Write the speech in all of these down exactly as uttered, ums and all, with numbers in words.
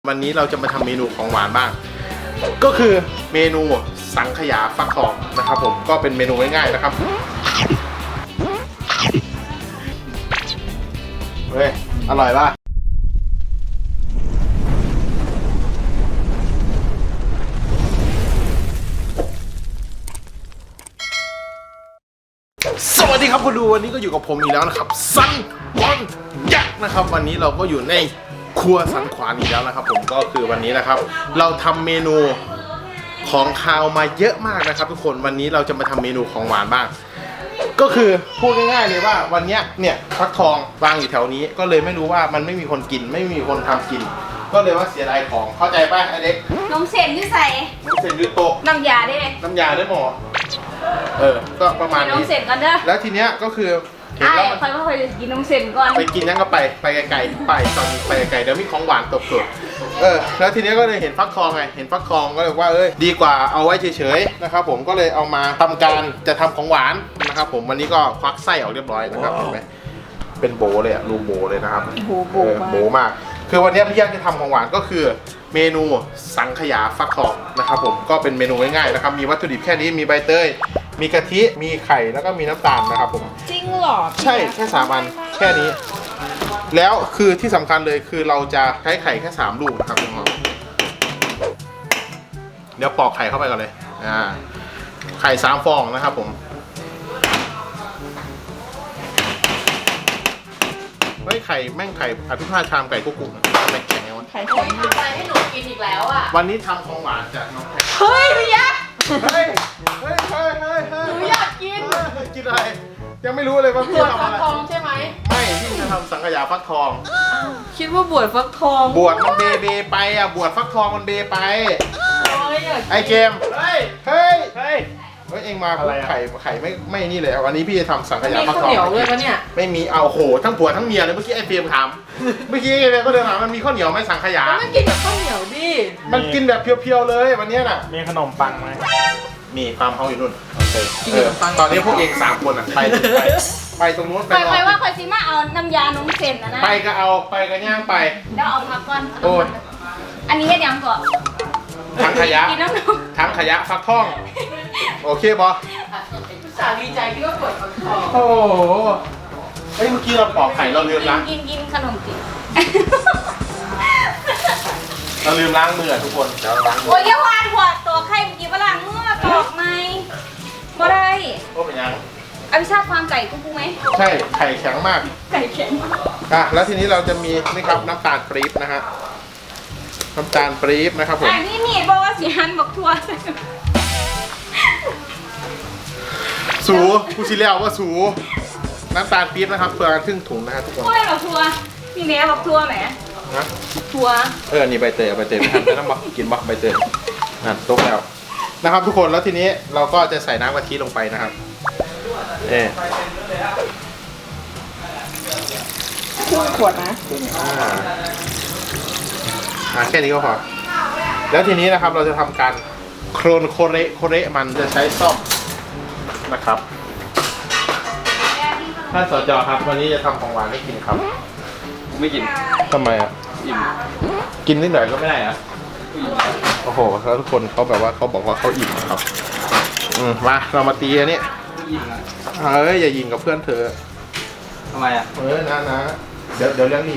วันนี้เราจะมาทำเมนูของหวานบ้างก็คือเมนูสังขยาฟักทองนะครับผมก็เป็นเมนูง่ายๆนะครับเฮ้ยอร่อยป่ะสวัสดีครับคุณดูวันนี้ก็อยู่กับผมอีกแล้วนะครับซันบอลยักษ์นะครับวันนี้เราก็อยู่ในครัวสันขวานอีกแล้วนะครับผมก็คือวันนี้นะครับเราทำเมนูของคาวมาเยอะมากนะครับทุกคนวันนี้เราจะมาทำเมนูของหวานบ้างก็คือพูดง่ายๆเลยว่าวันนี้เนี่ยฟักทองวางอยู่แถวนี้ก็เลยไม่รู้ว่ามันไม่มีคนกินไม่มีคนทำกินก็เลยว่าเสียดายของเข้าใจป่ะไอเด็กนมเส้นที่ใส่นมเส้นยืดโต๊ะน้ำยาได้น้ำยาได้หมอเออก็ประมาณนี้นมเส้นก่อนเด้อแล้วทีเนี้ยก็คือไอ้คอยว่าคอยกินนมเส้นก่อนไปกินยังก็ไปไปไกลๆไปตอนนี้ไปไกลๆเดี๋ยวมีของหวานตบตัวเออแล้วทีนี้ก็เลยเห็นฟักทองไงเห็นฟักทองก็เลยว่าเอ้ยดีกว่าเอาไว้เฉยๆนะครับผมก็เลยเอามาทำการจะทำของหวานนะครับผมวันนี้ก็ควักไส้ออกเรียบร้อยนะครับเห็นไหมเป็นโบเลยอะรูโบเลยนะครับโบโบโบมากคือวันนี้พี่ยักษ์จะทำของหวานก็คือเมนูสังขยาฟักทองนะครับผมก็เป็นเมนูง่ายๆนะครับมีวัตถุดิบแค่นี้มีใบเตยมีกะทิมีไข่แล้วก็มีน้ำตาลนะครับผมจริงหรอใช่แค่สามอันแค่นี้แล้วคือที่สำคัญเลยคือเราจะใช้ไข่แค่สามลูกนะครับน้องเดี๋ยวปอกไข่เข้าไปก่อนเลยอ่าไข่สามฟองนะครับผมเฮ้ยไข่แม่งไข่อภิชาติชามไก่กุ๊กกุ๊กแม่งแข็งไงวะไข่แข็งทำอะไรให้หนูกินอีกแล้วอ่ะวันนี้ทำของหวานจากน้องแพรเฮ้ยพี่ยักษ์เฮ้ยเฮ้ยเฮ้ยเฮ้ยหนูอยากกินกินอะไรยังไม่รู้เลยว่าพี่ทำอะไรบวชฟักทองใช่ไหมไม่พี่จะทำสังขยาฟักทองคิดว่าบวชฟักทองบวชมันเบเบไปอ่ะบวชฟักทองมันเบไปไอเกมเฮ้ยเฮ้ยเฮ้ยเฮ้ยเองมาไข่ไข่ไม่ไม่นี่เลยวันนี้พี่จะทำสังขยาฟักทองมีข้าวเหนียวด้วยปะเนี่ยไม่มีเอาโหทั้งผัวทั้งเมียเลยเมื่อกี้ไอเฟรมถามเมื่อกี้ไอเฟรมก็เดินถามมันมีข้าวเหนียวไหมสังขยามันกินแบบข้าวเหนียวดิมันกินแบบเพียวๆเลยวันนี้น่ะมีขนมปังไหมมีความเขาอยู่นู่นโอเคเออตอนนี้พวกเองสามคนอ่ะไปไปไปตรงนู้นไปไปว่าคอยซิมาเอาน้ำยานมเส้นนะนะไปก็เอาไปก็ย่างไปเดี๋ยวเอาพักก่อนโอ้ยอันนี้ยังก่อนทั้งขยะทั้งขยะฟักทองโอเคบอสาวดีใจที่ว่าปวดฟักทองโอ้โหเฮ้ยเมื่อกี้เราปอกไข่เราลืมล้างกินกินขนมจีนเราลืมล้างมือทุกคนเดี๋ยวล้างมือโอ้ยยวานหัวตัวไข่เมื่อกี้ว่าล้างมือตอกไหมบ่ได้โอ้เป็นยังอภิชาติความไก่กุ้งกุ้งไหมใช่ไข่แข็งมากไก่แข็งอ่ะแล้วทีนี้เราจะมีนี่ครับน้ำตาลปี๊บนะฮะน้ำตาลปี๊บนะครับผมอันนี้นี่บอกว่าสีหันบอกทัวสูกูชิเลียวว่าสูน้ำตาลปี๊บนะครับเพื่อครึ่งถุงนะฮะทุกคนไม่บอกทัวนี่แม่บอกทัวไหมนะทัวเออนี่ใบเตยใบเตยไม่ทำจะต้องบอกกินบอกใบเตยนั่นตกแล้วนะครับทุกคนแล้วทีนี้เราก็จะใส่น้ำกะทิลงไปนะครับเออครึ่งขวดนะอ่าอ่าแค่นี้ก็พอแล้วทีนี้นะครับเราจะทำการโครนโคเรโคเรมันจะใช้ซ่อมนะครับท่านสจครับวันนี้จะทำของหวานให้กินครับไม่กินทำไมอ่ะอิ่มกินนิดหน่อยก็ไม่ได้อ่ะโอ้โหแล้วทุกคนเขาแบบว่าเขาบอกว่าเขาอิ่มครับอืมมาเรามาตีอันนี้เอ้ยอย่ายิงกับเพื่อนเธอทำไมอ่ะเออนะนะเดี๋ยวเดี๋ยวเรื่องนี้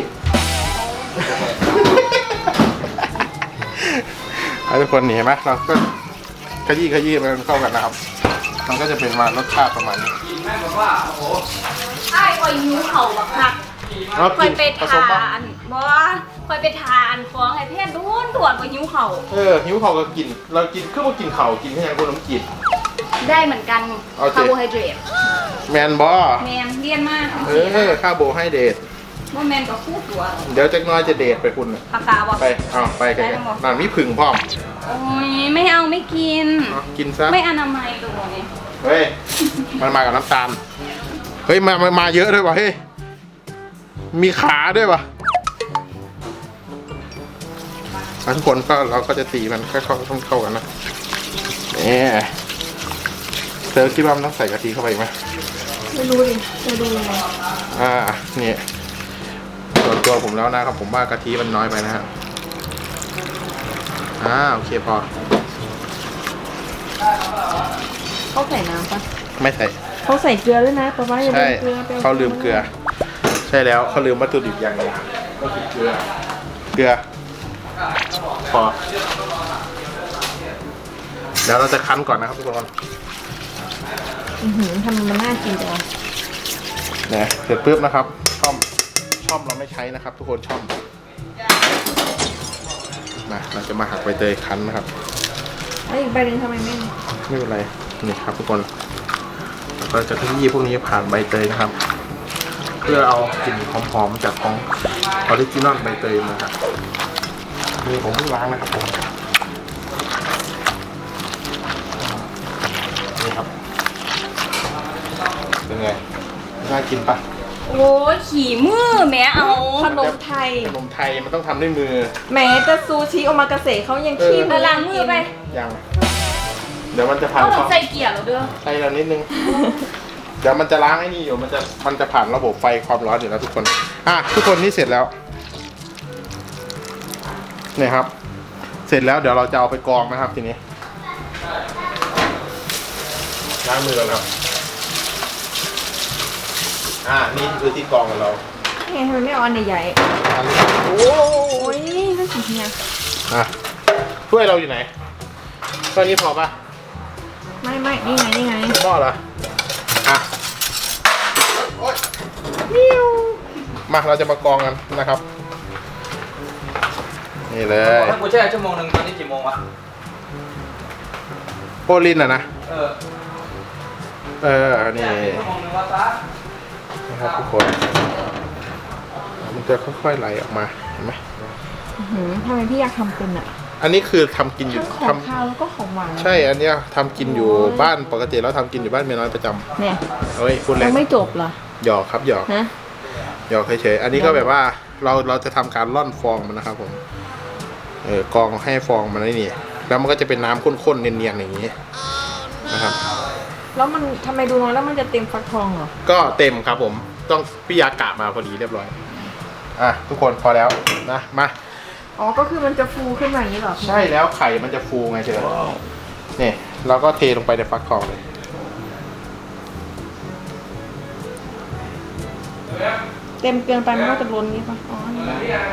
ทุกคนเห็นไหมเราก็ขยี้ขยี้มันเข้ากันนะครับมันก็จะเป็นมารสชาติประมาณนี้แม่บอกว่าโอ้โหไอ้คอยนิ้วเข่าแบบหักคอยไปทานบอสคอยไปทานฟองไอ้เพื่อนด้วนด่วนกว่านิ้วเข่าเออนิ้วเข่าก็กินเรากินคือว่ากินเข่ากินแค่ยังคนน้ำกินได้เหมือนกันคาร์โบไฮเดรตแมนบอแมนเลี่ยนมากเออคาร์โบไฮเดรตว่าแมนกับคู่ตัวเดี๋ยวจะน้อยจะเดทไปคุณปากกาบอกไปเอาไปกันนั่นมีผึ่งพร้อมโอ้ยไม่เอาไม่กินกินซะไม่อนามัยตัวนี้เฮ้ยมันมากับน้ำตาลเฮ้ยมามาเยอะด้วยวะเฮ้ยมีขาด้วยวะทุกคนก็เราก็จะตีมันค่อยๆเข้าเข้ากันนะนี่เธอคิดว่ามันต้องใส่กะทิเข้าไปไหมไม่รู้ดิจะดูยังไงอ่านี่ส่วนตัวผมแล้วนะครับผมว่ากะทิมันน้อยไปนะฮะอ่าโอเคพอเขาใส่น้ำปะไม่ใส่เขาใส่เกลือด้วยนะแต่ว่าอย่าลืใช่มเกลือไปเขาลืมเกลือ ใช่แล้วเขาลืมวัตถุดิบอย่างหนึงก็คือเกลือ เกลือพอเดี๋ยวเราจะคั้นก่อนนะครับทุกคนอื้อหือทำมันน่ากินจังเนี่ยเสร็จปุ๊บนะครับช่อมช่อมเราไม่ใช้นะครับ ทุกคนช่อมมาเราจะมาหักใบเตยคั้นนะครับแล้วอีกใบหนึ่งทำไมไม่ไม่เป็นไรนี่ครับทุกคนเราก็จะขยี้พวกนี้ผ่านใบเตยนะครับ เพื่อเอากลิ่นหอมๆจากของออริจินอลใบเตยมาครับนี่ผมเพิ่งล้างนะครับผมนี่ครับเป็นไงน่ากินปะโอ้ยขี่มือแม่เอาขนมไทยขนมไทยมันต้องทำด้วยมือแม้แต่ซูชิโอมากาเสะเขายังขี้เอาล้างมือไปยังเดี๋ยวมันจะผ่านเอาควาเรามใส่เกียร์เราเด้อใส่เรานิดนึง เดี๋ยวมันจะล้างไอ้นี่อยู่มันจะมันจะผ่านระบบไฟความร้อนอยู่แล้วทุกคนอ่ะทุกคนนี่เสร็จแล้วเนี่ยครับ เสร็จแล้วเดี๋ยวเราจะเอาไปกรองนะครับทีนี้ล้างมือกันครับอ่านี่คือที่กรองของเราไงทำไมไม่เอาอันใหญ่อันนี้โอ้ๆโอ้ยน่ากินเนี่ยอ่ะถ้วยเราอยู่ไหนถ้วยนี้พอปะไม่ไม่นี่ไงนี่ไงหม้อเหรออ่ะโอ๊ยมาเราจะมากรองกันนะครับนี่เลยถ้ากูแช่ชั่วโมงหนึ่งตอนนี้กี่โมงวะโปรลินอ่ะนะเออเออนี่ชั่วโมงหนึ่งวะซะนะครับทุกคนมันจะค่อยๆไหลออกมาเห็นไหมอื้อหือทำไมพี่อยากทำเป็นอ่ะอันนี้คือทำกินอยู่ทั้งของทำคาวแล้วก็ของหวานใช่อันเนี้ยทำกินอยู่บ้านปกติแล้วทำกินอยู่บ้านเมียน้อยประจำเนี่ยเฮ้ยพูดเล่ยันงไม่จบเหรอหยอกครับหยอกฮะหยอกเฉยๆอันนี้ก็แบบว่าเราเราจะทำการร่อนฟองมันนะครับผมเออกรองให้ฟองมันไอ้นี่แล้วมันก็จะเป็นน้ำข้นๆเนียนๆอย่างนี้นะครับแล้วมันทำไมดูน้อยแล้วมันจะเต็มฟักทองเหรอก็เต็มครับผมต้องพี่ยากะมาพอดีเรียบร้อยอ่ะทุกคนพอแล้วนะมาอ๋อก็คือมันจะฟูขึ้นมาอย่างนี้เหรอใช่แล้วไข่มันจะฟูไงเธอนี่เราก็เทลงไปในฟักทองเลยเต็มเกินไปมันก็จะล้นนี้ป่ะอ๋อนี่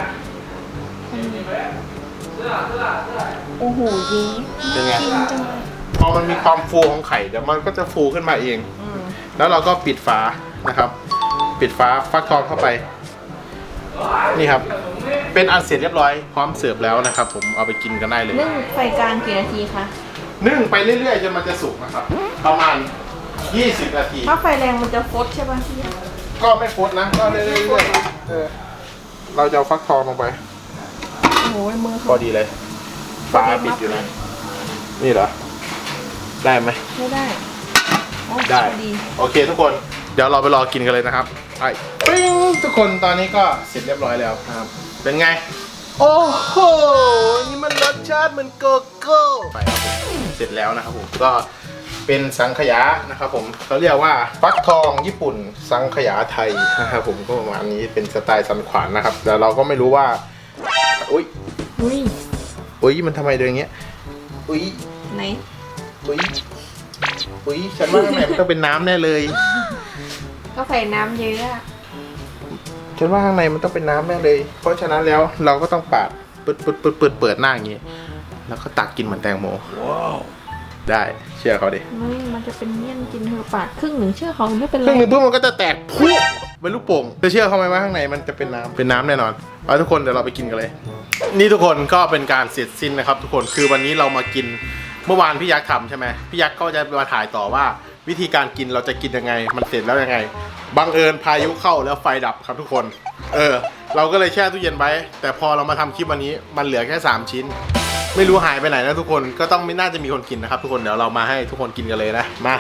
โอ้โหยีเป็นไงกินจังเลยพอมันมีความฟูของไข่เดี๋ยวมันก็จะฟูขึ้นมาเองอืมแล้วเราก็ปิดฝานะครับ ปิดฝาฟักทองเข้าไป นี่ครับ เป็นอันเสร็จเรียบร้อยพร้อมเสิร์ฟแล้วนะครับ ผมเอาไปกินกันได้เลยนึ่งไฟกลางกี่นาทีคะนึ่งไปเรื่อยๆจนมันจะสุกนะครับ ประมาณยี่สิบนาทีถ้าไฟแรงมันจะฟดใช่ป่ะพี่ก็ไม่ฟดนะก็เรื่อยๆเออเราจะเอาฟักทองลงไปโอ้โหมือพเขาอดีเลยฝาปิดอยู่นะนี่เหรอได้ไหมไม่ได้โอ้ได้พอดีโอเคทุกคนเดี๋ยวเราไปรอกินกันเลยนะครับไปปิ้งทุกคนตอนนี้ก็เสร็จเรียบร้อยแล้วครับ เป็นไง โอ้โหนี่มันรสชาติเหมือนโกโก้ไปครับผมเสร็จแล้วนะครับผมก็เป็นสังขยานะครับผมเขาเรียกว่าฟักทองญี่ปุ่นสังขยาไทยนะครับผมก็ประมาณนี้เป็นสไตล์สันขวานนะครับแต่เราก็ไม่รู้ว่าอุ้ยอุ้ยอุ้ยมันทำไมเดินอย่างเงี้ยอุ้ยไหนอุ้ยอุ้ยฉันว่าข้างในมันต้องเป็นน้ำแน่เลยก็ใส่น้ำเยอะอะฉันว่าข้างในมันต้องเป็นน้ำแน่เลย เพราะฉะนั้นแล้วเราก็ต้องปาดปึ๊ดปึ๊ดปึ๊ดปึ๊ดเปิดหน้าอย่างงี้ แล้วก็ตักกินเหมือนแตงโมได้เชื่อเขาดิไม่มันจะเป็นเมี่ยนกินเธอปาดครึ่งหนึ่งเชื่อเขาไม่เป็นคไรรึ่งหนึงปุ๊บมันก็จะแตกพุ่งเป็นลูกโป่งจะเชื่อเขาไหมว่าข้างในมันจะเป็นน้ำเป็นน้ำแน่นอนเอาทุกคนเดี๋ยวเราไปกินกันเลย นี่ทุกคนก็เป็นการเสร็จสิ้นนะครับ ทุกคนคือวันนี้เรามากินเมื่อวานพี่ยักษ์ทำใช่ไหมพี่ยักษ์ก็จะมาถ่ายต่อว่า วิธีการกินเราจะกินยังไง มันเสร็จแล้วยังไงบังเอิญพายุเข้าแล้วไฟดับครับทุกคน เออ เราก็เลยแช่ตู้เย็นไว้ แต่พอเรามาทำคลิปวันนี้มันเหลือแค่สามชิ้น ไม่รู้หายไปไหนนะทุกคนก็ต้องไม่น่าจะมีคนกินนะครับ ทุกคนเดี๋ยวเรามาให้ทุกคนกินกันเลยนะมา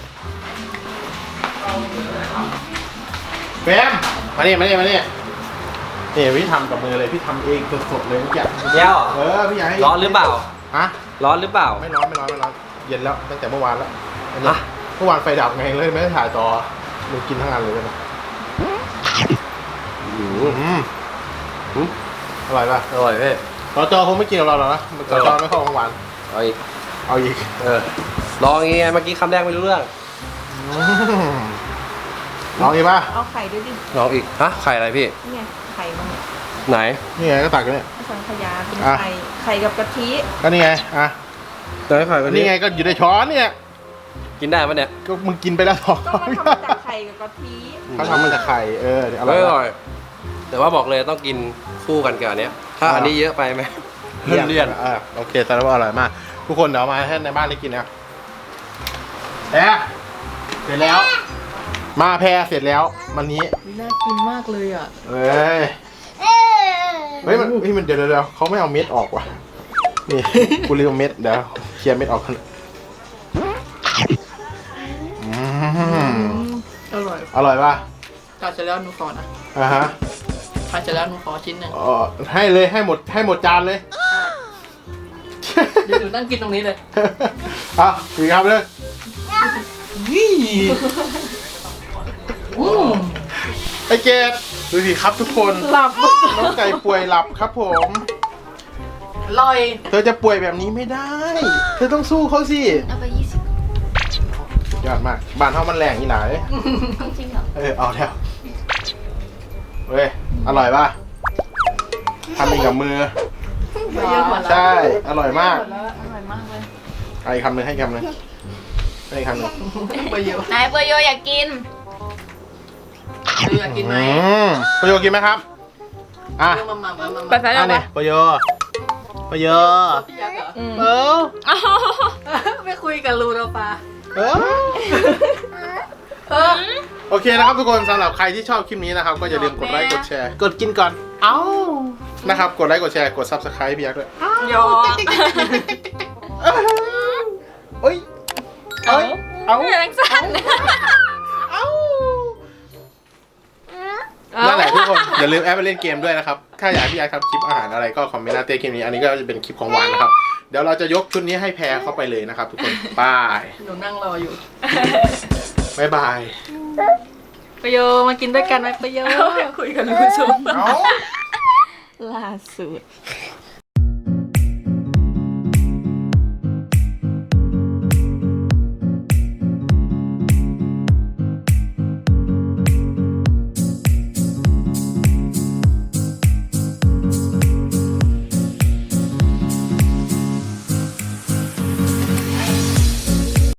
แฟมมานี่มานี่มานี่นี่พี่ทำกับมือเลยพี่ทำเองสดๆเลยเมื่อกี้เดี๋ยวเออพี่อยากให้ร้อนหรือเปล่าฮะร้อนหรือเปล่าไม่ร้อนไม่ร้อนไม่ร้อนเย็นแล้วตั้งแต่เมื่อวานแล้วอันนี้อ่ะเมื่อวานไฟดับไงเลยไม่ได้ถ่ายต่อมึงกินทั้งอันเลยนะอืมอืมอร่อยป่ะอร่อยเพ่อสจคงไม่กินกับเราหรอกนะสจไม่เข้าของหวานเอาอีกเอาอีกเออลองยังไงเมื่อกี้คำแรกไม่รู้เรื่องอืมลองอีกป่ะเอาไข่ด้วยดิลองอีกฮะไข่อะไรพี่นี่ไงไข่มันเนี่ยไหนนี่ไงก็ตักกันเนี่ยสังขยาเป็นอ่ะไข่ไข่กับกะทิก็นี่ไงอ่ะไหนไข่วันนี้นี่ไงก็อยู่ในช้อนเนี่ยกินได้ปะเนี่ยก็มึงกินไปแล้วสองก็มันทำมาจากไข่กับกะทิเขาทำมันจากไข่เออเดี๋ยวอร่ไม่อยอร่อย แต่ว่าบอกเลยต้องกินคู่กันกับอันเนี้ยถ้าอันนี้เยอะไปไหมเลี่ยนเลี่ยนอ่าโอเคแสดงว่าอร่อยมาก ทุกคนเดี๋ยวเอามาให้ในบ้านได้กินนะแพรเสร็จแล้ว มาแพรเสร็จแล้ววันนี้น่ากินมากเลยอ่ะเอ้ยเฮ้ยมันเฮ้ยมันเดี๋ยวเดี๋ยวเดี๋ยวเขาไม่เอาเม็ดออกว่ะนี่กูลืมเม็ดเดี๋ยวเคลียร์เม็ดออกกันอืมอร่อยอร่อยป่ะทานเสร็จแล้วหนูขอนะอ่าฮะทานเสร็จแล้วหนูขอชิ้นหนึ่งอ๋อให้เลยให้หมดให้หมดจานเลยเดี๋ยวหนูนั่งกินตรงนี้เลยอ่ะอีกครับเลยไอเกดดูสิครับทุกคนหลับน้องไก่ป่วยหลับครับผมอร่อยเธอจะป่วยแบบนี้ไม่ได้ เธอต้องสู้เขาสิเอาไปยี่สิบสุดยอดมากบ้านเฮามันแรงอีหลายจริงเหรอเออเอาแล้วเว้ยอร่อยป่ะทำเองกับมือเยอะหมดแล้วใช่ อร่อยมากอร่อยมากเลยเอาอีกคำหนึ่งให้อีกคำหนึ่งให้อีกคำหนึ่งไปเยอะนายเปโยอยากกินเดี๋ยวอยากกินไหมอืมประโยชน์กินไหมครับอ่ะมามามามาไปไปอันนี้ประโยชน์ประโยชน์พี่ยักษ์เหรอเออไม่คุยกับลูเราปะเออเออโอเคนะครับทุกคนสำหรับใครที่ชอบคลิปนี้นะครับ ก็อย่าลืมกดไลค์กดแชร์ กดกินก่อน เอ้านะครับ กดไลค์กดแชร์กด ซับสไครบ์ พี่ยักษ์ด้วยยอมเอ้ยเอ้ยเอ้าเรื่องสั้นเอ้านั่นแหละทุกคนอย่าลืมแอปไปเล่นเกมด้วยนะครับถ้าอยากให้พี่ยักษ์ทำคลิปอาหารอะไรก็คอมเมนต์หน้าเต้คลิปนี้อันนี้ก็จะเป็นคลิปของหวานนะครับเดี๋ยวเราจะยกชุดนี้ให้แพรเข้าไปเลยนะครับ ทุกคนบายหนูนั่งรออยู่บายบายประโยมากินด้วยกันไหมประโยคุยกับลูกชมเอ้าล่าสุด